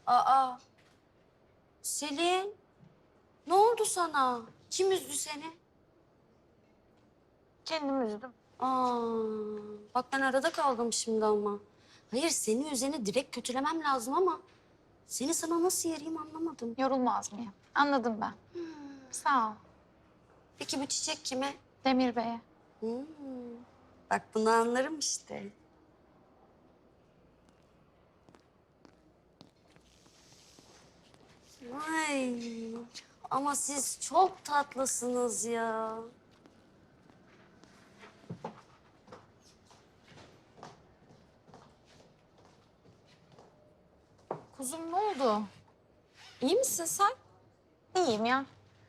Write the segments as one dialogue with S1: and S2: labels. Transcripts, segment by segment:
S1: Aa, Selin, ne oldu sana? Kim üzdü seni?
S2: Kendim üzdüm.
S1: Aa, bak ben arada kaldım şimdi ama. Hayır, seni üzeni direkt kötülemem lazım ama... ...seni sana nasıl yereyim anlamadım.
S2: Yorulmaz mıyım? Anladım ben. Sağ ol.
S1: Peki bu çiçek kime?
S2: Demir Bey'e.
S1: Hmm, bak bunu anlarım işte. Ay, ama siz çok tatlısınız ya.
S2: Kuzum ne oldu?
S1: İyi misin sen?
S2: İyiyim ya.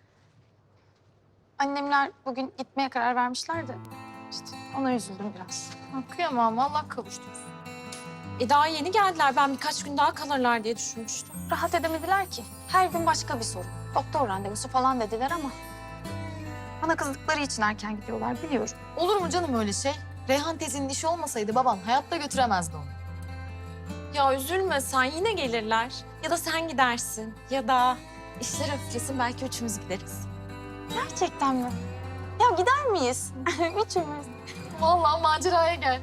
S2: Annemler bugün gitmeye karar vermişler de işte ona üzüldüm biraz.
S3: Kıyamam, Allah kavuştursun. Daha yeni geldiler. Ben birkaç gün daha kalırlar diye düşünmüştüm.
S2: Rahat edemediler ki. Her gün başka bir sorun. Doktor randevusu falan dediler ama bana kızdıkları için erken gidiyorlar biliyorum.
S3: Olur mu canım öyle şey? Reyhan teyzenin işi olmasaydı baban hayatta götüremezdi onu. Ya üzülme sen, yine gelirler. Ya da sen gidersin. Ya da işler hafiflesin, belki üçümüz gideriz.
S2: Gerçekten mi? Ya gider miyiz? Üçümüz.
S3: Vallahi maceraya gel.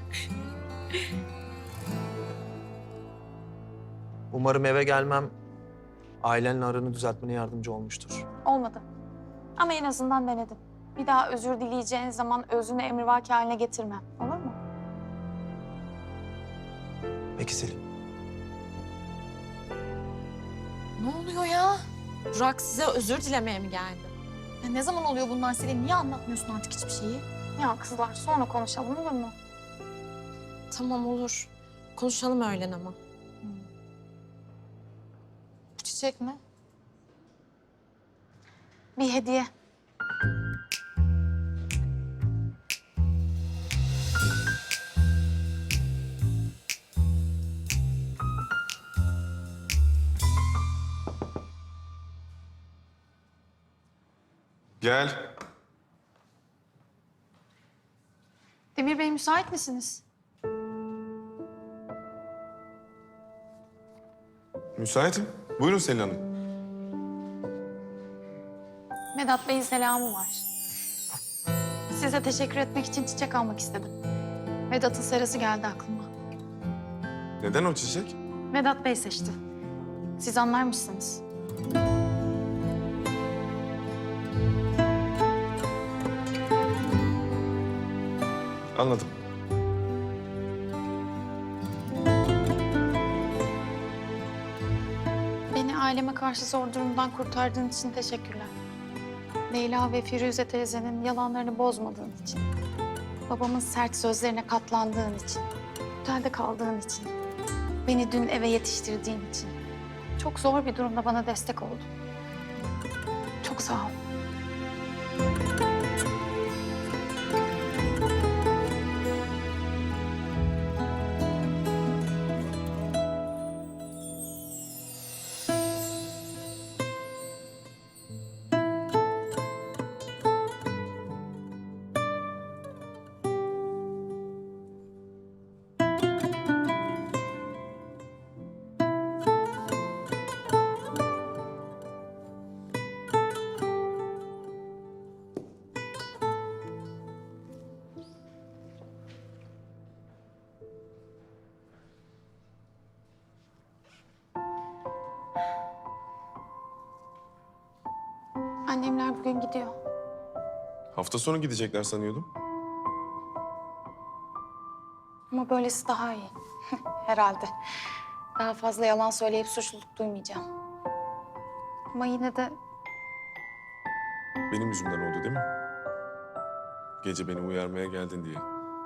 S4: Umarım eve gelmem ailenle aranı düzeltmene yardımcı olmuştur.
S2: Olmadı. Ama en azından denedim. Bir daha özür dileyeceğin zaman özünü emrivaki haline getirmem. Olur mu?
S4: Peki Selin.
S3: Ne oluyor ya? Burak size özür dilemeye mi geldi? Ya ne zaman oluyor bunlar Selin? Niye anlatmıyorsun artık hiçbir şeyi?
S2: Ya kızlar sonra konuşalım olur mu?
S3: Tamam olur. Konuşalım öğlen ama.
S2: Bu çiçek mi? Bir hediye.
S5: Gel.
S2: Demir Bey müsait misiniz?
S5: Müsaitim. Buyurun Selin Hanım.
S2: Vedat Bey'in selamı var. Size teşekkür etmek için çiçek almak istedim. Vedat'ın serası geldi aklıma.
S5: Neden o çiçek?
S2: Vedat Bey seçti. Siz anlar mısınız?
S5: Anladım.
S2: Beni aileme karşı zor durumdan kurtardığın için teşekkürler. Leyla ve Firuze teyzenin yalanlarını bozmadığın için. Babamın sert sözlerine katlandığın için. Otelde kaldığın için. Beni dün eve yetiştirdiğin için. Çok zor bir durumda bana destek oldun. Çok sağ ol. Annemler bugün gidiyor.
S5: Hafta sonu gidecekler sanıyordum.
S2: Ama böylesi daha iyi. Herhalde. Daha fazla yalan söyleyip suçluluk duymayacağım. Ama yine de
S5: Benim yüzümden oldu değil mi? Gece beni uyarmaya geldin diye.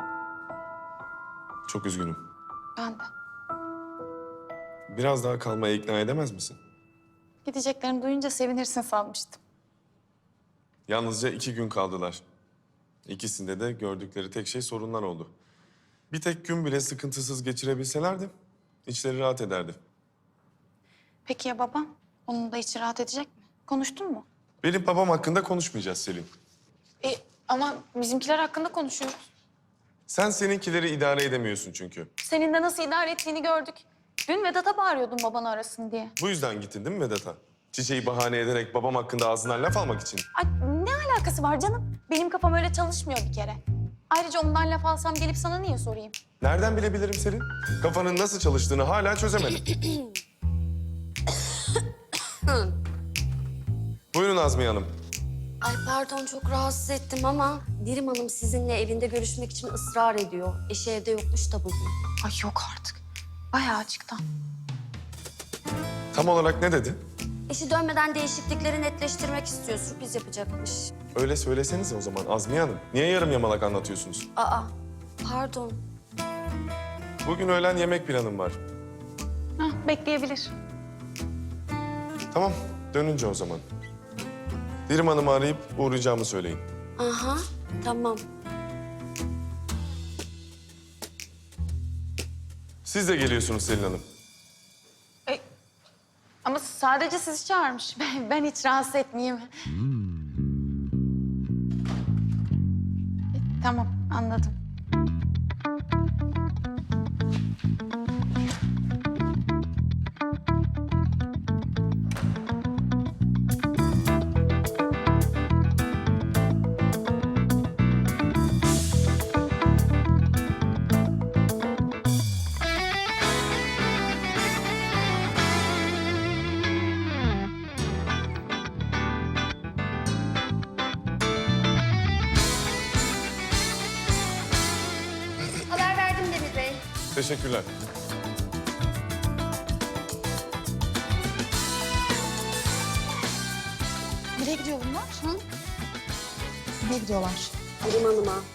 S5: Çok üzgünüm.
S2: ben de.
S5: Biraz daha kalmaya ikna edemez misin?
S2: Gideceklerini duyunca sevinirsin sanmıştım.
S5: Yalnızca 2 gün kaldılar. İkisinde de gördükleri tek şey sorunlar oldu. Bir tek gün bile sıkıntısız geçirebilselerdi içleri rahat ederdi.
S2: Peki ya babam? Onun da içi rahat edecek mi? Konuştun mu?
S5: Benim babam hakkında konuşmayacağız Selin.
S2: Ama bizimkiler hakkında konuşuyoruz.
S5: Sen seninkileri idare edemiyorsun çünkü.
S2: Senin de nasıl idare ettiğini gördük. Dün Vedat'a bağırıyordum babanı arasın diye.
S5: Bu yüzden gittin değil mi Vedat'a? Çiçeği bahane ederek babam hakkında ağzından laf almak için.
S2: Ay ne alakası var canım? Benim kafam öyle çalışmıyor bir kere. Ayrıca ondan laf alsam gelip sana niye sorayım?
S5: Nereden bilebilirim Selin? Kafanın nasıl çalıştığını hala çözemedim. Buyurun Azmiye Hanım.
S1: Ay pardon çok rahatsız ettim ama Dirim Hanım sizinle evinde görüşmek için ısrar ediyor. Eşi evde yokmuş da bugün.
S2: Ay yok artık. Bayağı açıktan.
S5: Tam olarak ne dedi?
S1: Eşi dönmeden değişiklikleri netleştirmek istiyor. Sürpriz yapacakmış.
S5: Öyle söylesenize o zaman Azmiye Hanım. Niye yarım yamalak anlatıyorsunuz?
S1: Aa pardon.
S5: Bugün öğlen yemek planım var.
S2: Hah, bekleyebilir.
S5: Tamam, dönünce o zaman. Dirim Hanım'ı arayıp uğrayacağımı söyleyin.
S1: Aha tamam.
S5: Siz de geliyorsunuz Selin Hanım.
S2: Ama sadece sizi çağırmış. Ben hiç rahatsız etmeyeyim. Tamam, anladım.
S1: Haber verdim Demir Bey.
S5: Teşekkürler.
S2: Nereye gidiyor bunlar? Hı? Nereye gidiyorlar?
S1: Dirim Hanım'a.